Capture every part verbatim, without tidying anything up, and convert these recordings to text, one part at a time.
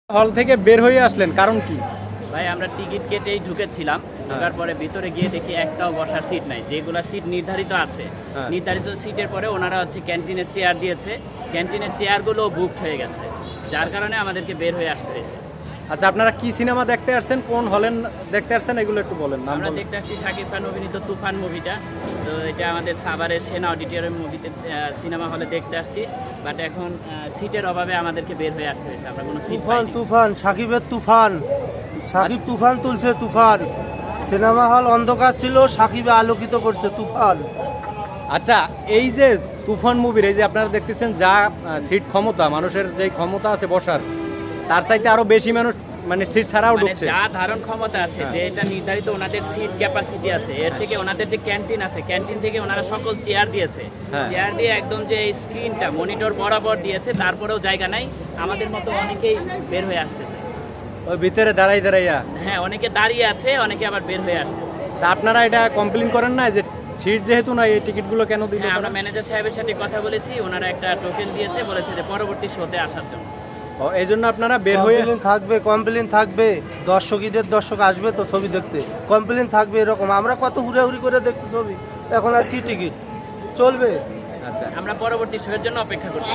হল থেকে বের হয়ে আসলেন কারণ কি? ভাই আমরা টিকিট কেটেই ঢুকেছিলাম, ঢোকার পরে ভিতরে গিয়ে দেখি একটাও বসার সিট নাই। যেগুলো সিট নির্ধারিত আছে, হ্যাঁ। নির্ধারিত সিটের পরে ওনারা হচ্ছে ক্যান্টিনের চেয়ার দিয়েছে, ক্যান্টিনের চেয়ারগুলো বুকড হয়ে গেছে, যার কারণে আমাদেরকে বের হয়ে আসতে হয়েছে। আচ্ছা, আপনারা কি সিনেমা দেখতে আসছেন, কোন হলেন দেখতে আসছেন, এগুলো একটু বলেন। নাম আমরা বলেন। দেখতে আসছি শাকিব খান অভিনীত তুফান মুভিটা। তো এটা আমাদের সাভারের সেনা অডিটোরিয়াম মুভিতে সিনেমা হলে দেখতে আসছি, বাট এখন সিটের অভাবে আমাদেরকে বের হয়ে আসতে হয়েছে। আমরা কোনো সিট তুফান পাইনি। তুফান সাকিবের তুফান সাকিব তুফান তুলছে তুফান সিনেমা হল অন্ধকার ছিল, সাকিবে আলোকিত করছে তুফান। আচ্ছা, এই যে তুফান মুভির এই যে আপনারা দেখতেছেন যা সিট ক্ষমতা, মানুষের যে ক্ষমতা আছে বসার, তার চাইতে আরো বেশি মানুষ মানে সিট ছাড়াও মানে ঢুকছে। যা ধারণ ক্ষমতা আছে, হ্যাঁ। যে এটা নির্ধারিত ওনাদের সিট ক্যাপাসিটি আছে, এর থেকে ওনাদের যে ক্যান্টিন আছে, ক্যান্টিন থেকে ওনারা সকল চেয়ার দিয়েছে, হ্যাঁ। চেয়ার দিয়ে একদম যে স্ক্রিনটা মনিটর বরাবর দিয়েছে, তারপরেও জায়গা নাই। আমাদের মতো অনেকেই বের হয়ে আসতেছে। ওই ভিতরে দাঁড়াই দাঁড়াইয়া। হ্যাঁ, অনেকে দাঁড়িয়ে আছে, অনেকে আবার বের হয়ে আসতেছে। তা আপনারা এটা কমপ্লেন করেন না যে সিট যেহেতু না, এই টিকিটগুলো কেন দিল? হ্যাঁ, আমরা ম্যানেজার সাহেবের সাথে কথা বলেছি, ওনারা একটা টোকেন দিয়েছে, বলেছে যে পরবর্তী শোতে আসার জন্য। ও, এই জন্য আপনারা বের হয়ে কমপ্লেন থাকবে, কমপ্লেন থাকবে, দর্শক ঈদের দর্শক আসবে তো ছবি দেখতে, কমপ্লেন থাকবে এরকম। আমরা কত হুড়াহুড়ি করে দেখতে ছবি, এখন আর কি টিকিট চলবে? আচ্ছা, আমরা পরবর্তী শোয়ের জন্য অপেক্ষা করছি।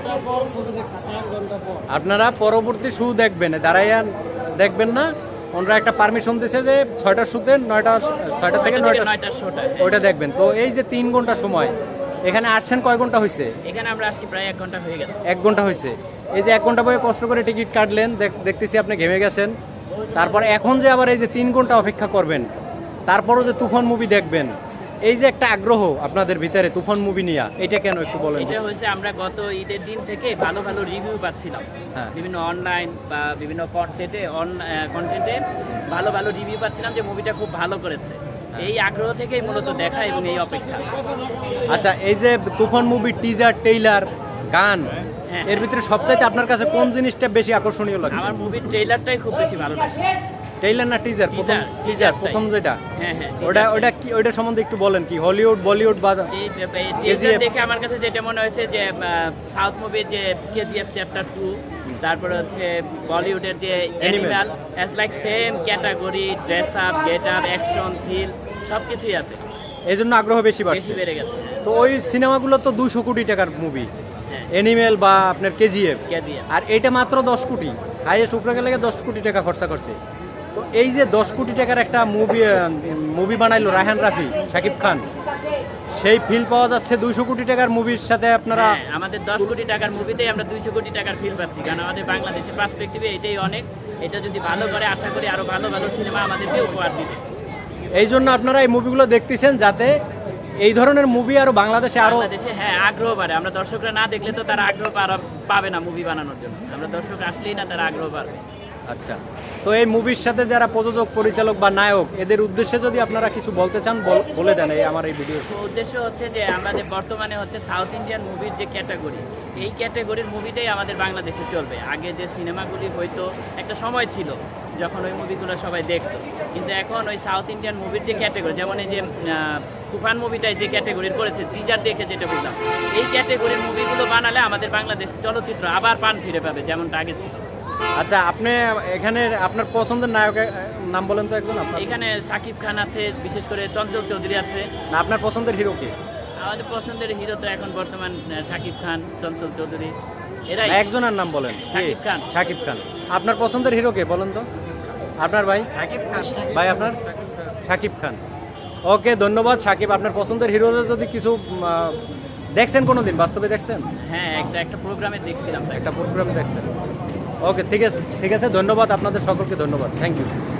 আপনারা পরবর্তী শু দেখবেন, দাঁড়াইয়া দেখবেন না। ওনারা একটা পারমিশন দিয়েছে যে ছয়টার শুতে নয়টা, ছয়টা থেকে নয়টা নয়টার শোটা। ওইটা দেখবেন। তো এই যে তিন ঘন্টা সময় এখানে আসছেন, কয় ঘন্টা হয়েছে? এখানে আমরা আসছি প্রায় এক ঘন্টা হয়ে গেছে। এক ঘন্টা হয়েছে। এই যে এক ঘন্টা বয়ে কষ্ট করে টিকিট কাটলেন, দেখ- দেখতেছি আপনি ঘেমে গেছেন। তারপর এখন যে আবার এই যে তিন ঘন্টা অপেক্ষা করবেন, তারপরও যে তুফান মুভি দেখবেন, এই যে একটা আগ্রহ আপনাদের ভিতরে তুফান মুভি নিয়ে, এটা কেন একটু বলেন। এটা হয়েছে আমরা গত ঈদের দিন থেকে ভালো ভালো রিভিউ পাচ্ছিলাম, হ্যাঁ। বিভিন্ন অনলাইন বা বিভিন্ন কন্টেন্টে অন কন্টেন্টে ভালো ভালো রিভিউ পাচ্ছিলাম যে মুভিটা খুব ভালো করেছে। এই আগ্রহ থেকেই মূলত দেখা এবং এই অপেক্ষা। আচ্ছা, এই যে তুফান মুভি টিজার, টেইলার, গান, হ্যাঁ। এর ভিতরে সবচাইতে আপনার কাছে কোন জিনিসটা বেশি আকর্ষণীয় লাগছে? আমার মুভির ট্রেইলারটাই খুব বেশি ভালো লাগছে। টেইলার না টিজার? প্রথম টিজার, টিজার টিজারটাই। প্রথম যেটা, হ্যাঁ হ্যাঁ, ওটা ওটা কি, ওইটা সম্বন্ধে একটু বলেন। কি হলিউড, বলিউড বা টিজার দেখে আমার কাছে যেটা মনে হয়েছে যে সাউথ মুভির যে কেজিএফ চ্যাপ্টার টু, তারপরে হচ্ছে বলিউডের যে Animal, as like same category, dress up, get up, action, thrill সব কিছুই আছে, এই জন্য আগ্রহ বেশি বেশি বাড়ছে। বেড়ে গেছে। তো ওই সিনেমাগুলো তো দুশো কোটি টাকার মুভি, হ্যাঁ, অ্যানিমেল বা আপনার কেজিএফ, কেজিএফ। আর এটা মাত্র দশ কোটি, হাইয়েস্ট উপরে গেলে দশ কোটি টাকা খরচা করছে। তো এই যে দশ কোটি টাকার একটা মুভি মুভি বানাইলো রায়হান রাফি, শাকিব খান, সেই ফিল পাওয়া যাচ্ছে দুইশো কোটি টাকার মুভির সাথে আপনারা। হ্যাঁ, আমাদের দশ কোটি টাকার মুভিতেই আমরা দুইশো কোটি টাকার ফিল পাচ্ছি, কারণ আমাদের বাংলাদেশের পার্সপেক্টিভে এটাই অনেক। এটা যদি ভালো করে, আশা করি আরো ভালো ভালো সিনেমা আমাদেরকে উপহার দিবে। এই জন্য আপনারা এই মুভিগুলো দেখতেছেন, যাতে এই ধরনের মুভি আরো বাংলাদেশে আরো। বাংলাদেশে হ্যাঁ আগ্রহ বাড়ে। আমরা দর্শকরা না দেখলে তো তারা আগ্রহ পারা- পাবে না মুভি বানানোর জন্য। আমরা দর্শক আসলেই না তারা আগ্রহ পাবে। আচ্ছা, তো এই মুভির সাথে যারা প্রযোজক, পরিচালক বা নায়ক, এদের উদ্দেশ্যে যদি আপনারা কিছু বলতে চান, বল- বলে দেন এই আমার এই ভিডিও। তো উদ্দেশ্য হচ্ছে যে আমাদের বর্তমানে হচ্ছে সাউথ ইন্ডিয়ান মুভির যে ক্যাটাগরি, এই ক্যাটাগরির মুভিটাই আমাদের বাংলাদেশে চলবে। আগে যে সিনেমাগুলি হয়তো একটা সময় ছিল যখন ওই মুভিগুলো সবাই দেখতো, কিন্তু এখন ওই সাউথ ইন্ডিয়ান মুভির যে ক্যাটাগরি, যেমন এই যে আহ, তুফান মুভিটাই যে ক্যাটাগরির করেছে, টিজার দেখে যেটা বুঝলাম, এই ক্যাটাগরির মুভিগুলো বানালে আমাদের বাংলাদেশ চলচ্চিত্র আবার পান ফিরে পাবে যেমনটা আগে ছিল। আচ্ছা, আপনি এখানে আপনার পছন্দের নায়কের নাম বলেন তো একজন। আপনার এখানে সাকিব খান আছে, বিশেষ করে চঞ্চল চৌধুরী আছে। না, আপনার পছন্দের হিরো কে? আমাদের পছন্দের হিরো তো এখন বর্তমান আহ, সাকিব খান, চঞ্চল চৌধুরী, এরাই। না, একজনের নাম বলেন। কে? শাকিব খান। শাকিব খান। আপনার পছন্দের হিরো কে বলেন তো? আপনার ভাই? সাকিব খান। ভাই আপনার? শাকিব খান। ওকে, ধন্যবাদ। শাকিব, আপনার পছন্দের হিরো যদি কিছু উম, আহ, দেখছেন কোনোদিন, বাস্তবে দেখছেন? হ্যাঁ, একটা একটা প্রোগ্রামে দেখছিলাম। একটা প্রোগ্রামে দেখছেন। ওকে, ঠিক আছে, ঠিক আছে, ধন্যবাদ আপনাদের সকলকে, ধন্যবাদ, থ্যাংক ইউ।